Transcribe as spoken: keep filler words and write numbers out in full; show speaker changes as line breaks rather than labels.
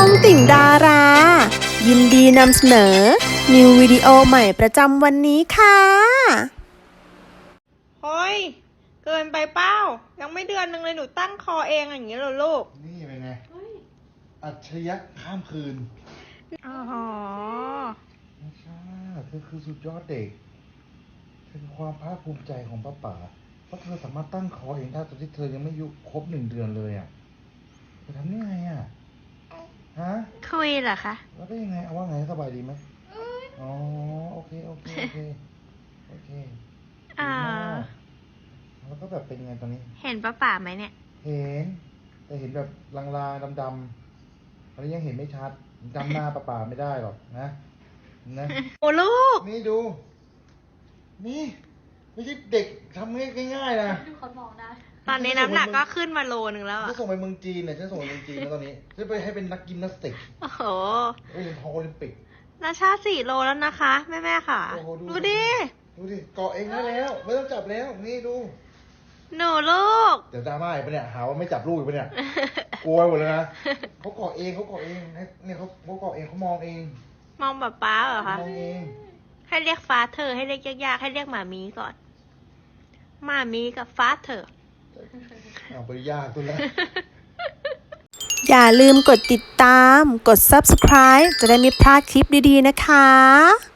องติ่งดารา ยินดีนำเสนอ นิววิดีโอใหม่ประจำวันนี้ค่ะ
เฮ้ยเกินไปเป้ายังไม่เดือนนึงเลยหนูตั้งคอเองอย่างนี้เหรอลูก
นี่เป็นไงอัจฉริยะข้ามคืน
อ๋อ
ไม่ใช่เธอคือสุดยอดเด็กเธอคือความภาคภูมิใจของป้าป๋าเพราะเธอสามารถตั้งคอเองได้ตอนที่เธอยังไม่อายุครบหนึ่งเดือนเลยอ่ะเธอทำได้ไงอ่ะฮะ
คุยเหรอคะ
แล้วได้ยังไงเอาว่าไงสบายดีไหมอ๋อโอเคโอเคโอเคโอเค
อ่า
แล้วก็แบบเป็นไงตอนนี้
เห็นป้าป่าไหมเนี่ย
เห็นแต่เห็นแบบลางๆดำๆอันนี้ยังเห็นไม่ชัดจำหน้าป้าป๋าไม่ได้หรอกนะนะ
โอ้ลูก
นี่ดูนี่ไม่ใช่เด็กทำง่ายๆนะ
ดูเขามองได้
ตอนนี้น้ำหนักก็ขึ้นมาโลนึงแล้วอ่ะ
ฉันส่งไปเมืองจีนเนี่ยฉันส่งไปเมืองจีนแล้วตอนนี้ฉันไปให้เป็นนักยิมนาสติก
โอ้โห
ไปเรียนทองโอลิมปิก
นาชาสี่โลแล้วนะคะแม่แม่ค่ะดูดิ
ดูดิเกาะเองได้แล้วไม่ต้องจับแล้วนี่ดู
หนูลูก
เดี๋ยวดราม่าอีกปะเนี่ยหาว่าไม่จับลูกอีกปะเนี่ยกลัวหมดเลยนะเขาเกาะเองเขาเกาะเองเนี่ยเขาเขาเกาะเองเขามองเอง
มองแบบป้าเหรอคะ
มองเอง
ให้เรียกฟ้าเธอให้เรียกยากๆให้เรียกหมามีก่อนหมามีกับฟ้าเธอ
เอาไปยากตัวแล้ว
อย่าลืมกดติดตาม กด ซับสไครบ์ จะได้ไม่พลาดคลิปดีๆนะคะ